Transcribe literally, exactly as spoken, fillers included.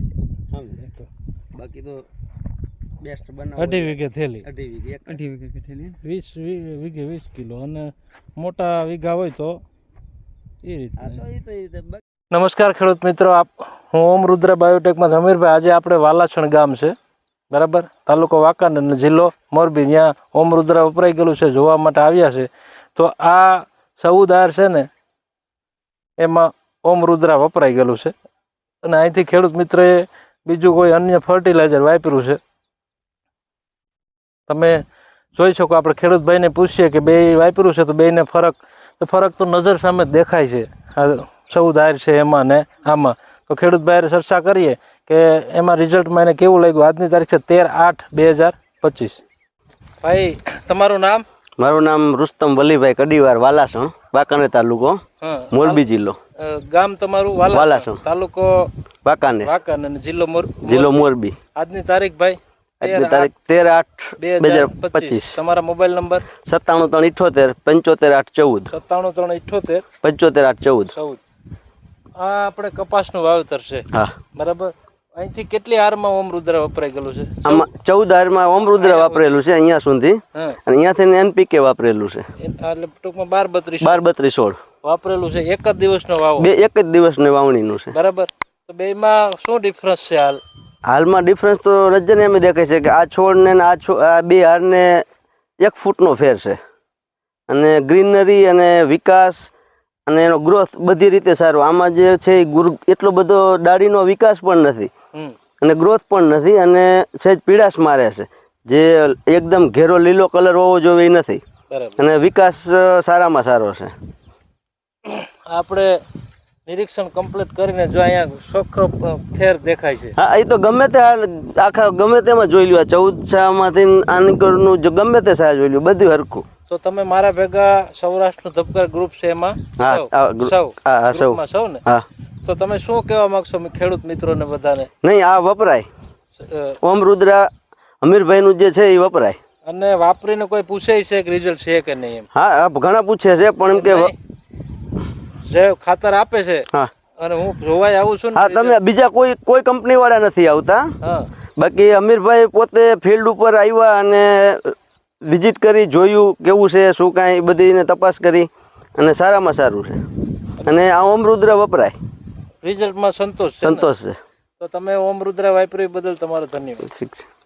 સમજે તો બાકી તો બેસ્ટ બનાવ અઢી વીઘે થેલી અઢી વીઘે અઢી વીઘે થેલી વીસ વીઘે વીસ કિલો અને મોટા વીઘા હોય તો એ રીતે. આ તો એ તો એ રીતે નમસ્કાર ખેડૂત મિત્રો, આપ હું ઓમ રુદ્ર બાયોટેકમાં ધમીરભાઈ. આજે આપણે વાલાછણ ગામ છે બરાબર, તાલુકો વાંકાનેર અને જિલ્લો મોરબી. ત્યાં ઓમ રુદ્ર વપરાઈ ગયેલું છે, જોવા માટે આવ્યા છે. તો આ સૌદાર છે ને એમાં ઓમ રુદ્રા વપરાઈ ગયેલું છે અને અહીંથી ખેડૂત મિત્રએ બીજું કોઈ અન્ય ફર્ટિલાઇઝર વાપર્યું છે. તમે જોઈ શકો, આપણે ખેડૂતભાઈને પૂછીએ કે બે વાપર્યું છે તો બેને ફરક તો ફરક તો નજર સામે જ દેખાય છે. આ સૌદાર છે એમાં ને આમાં. તો ખેડૂતભાઈ ચર્ચા કરીએ કે એમાં રિઝલ્ટમાં એને કેવું લાગ્યું. આજની તારીખ છે તેર આઠ બે હજાર પચીસ. ભાઈ તમારું નામ? મારું નામ રુસ્તમ વલીભાઈ કડીવાર, વાલાસણ, વાંકાનેર તાલુકો, મોરબી જિલ્લો. ગામ તમારું વાલાસણ, તાલુકો વાંકાનેર, વાંકાનેર અને જિલ્લો મોરબી. જિલ્લો મોરબી. આજની તારીખ ભાઈ આજની તારીખ તેર આઠ બે હજાર પચીસ. તમારા મોબાઈલ નંબર? સત્તાણું ત્રણ ઇઠોતેર પંચોતેર આઠ ચૌદ. સત્તાણું ત્રણ ઇઠોતેર પંચોતેર આઠ ચૌદ. ચૌદ. આ આપણે કપાસનું વાવેતર છે હા બરાબર. અહીંથી કેટલી હારમાં ઓમ રુદ્ર વપરાઈ ગયેલું છે? આમાં ચૌદ હારમાં ઓમ રુદ્ર વાપરેલું છે અહીંયા સુધી, અને અહીંયાથી એનપીકે વાપરેલું છે. એટલે ટૂંકમાં બાર બત્રીસ બાર બત્રીસ સોળ વાપરેલું છે. એક જ દિવસનો વાવો? બે એક જ દિવસની વાવણીનું છે બરાબર. તો બેમાં શું ડિફરન્સ છે હાલ? હાલમાં ડિફરન્સ તો નજરને એમ દેખાય છે કે આ છોડને ને આ છોડ, આ બે હારને એક ફૂટનો ફેર છે. અને ગ્રીનરી અને વિકાસ અને એનો ગ્રોથ બધી રીતે સારો. આમાં જે છે એ એટલો બધો ડાળીનો વિકાસ પણ નથી અને ગ્રોથ પણ નથી, અને સહેજ પીળાશ મારે છે. જે એકદમ ઘેરો લીલો કલર હોવો જોઈએ એ નથી, અને વિકાસ સારામાં સારો છે. આપણે નિરીક્ષણ કમ્પ્લીટ કરીને જો અહીંયા ચોખ્ખો ફેર દેખાય છે. હા, એ તો ગમે તે આખા ગમે તેમાં જોઈ લ્યો. ચૌદ છામાંથી આનીકરનું જો ગમે તે સા જોઈ લ્યો, બધું હરખું. તો તમે મારા ભેગા સૌરાષ્ટ્રનું ધબકાર ગ્રુપ છે એમાં સૌ સૌ ને? હા. તો તમે શું કહેવા માંગશો ખેડૂત મિત્રોને બધાને? નહીં, આ વપરાય. ઓમ રુદ્રા અમીરભાઈનું જે છે એ વપરાય. અને વાપરીને કોઈ પૂછે છે કે રિઝલ્ટ છે કે નહીં એમ? હા, ઘણા પૂછે છે, પણ એમ કે જે ખાતર આપે છે હા, અને હું જોવાય આવું છું. હા, તમે બીજા કોઈ કોઈ કંપની વાળા નથી આવતા. હા, બાકી અમીરભાઈ પોતે ફિલ્ડ ઉપર આવ્યા અને વિઝિટ કરી, જોયું કેવું છે શું કાંઈ, બધીને તપાસ કરી અને સારામાં સારું છે. અને આ ઓમ રુદ્ર વપરાય. રિઝલ્ટમાં સંતોષ સંતોષ છે. તો તમે ઓમ રુદ્ર વાપર્યું બદલ તમારો ધન્યવાદ. ઠીક છે.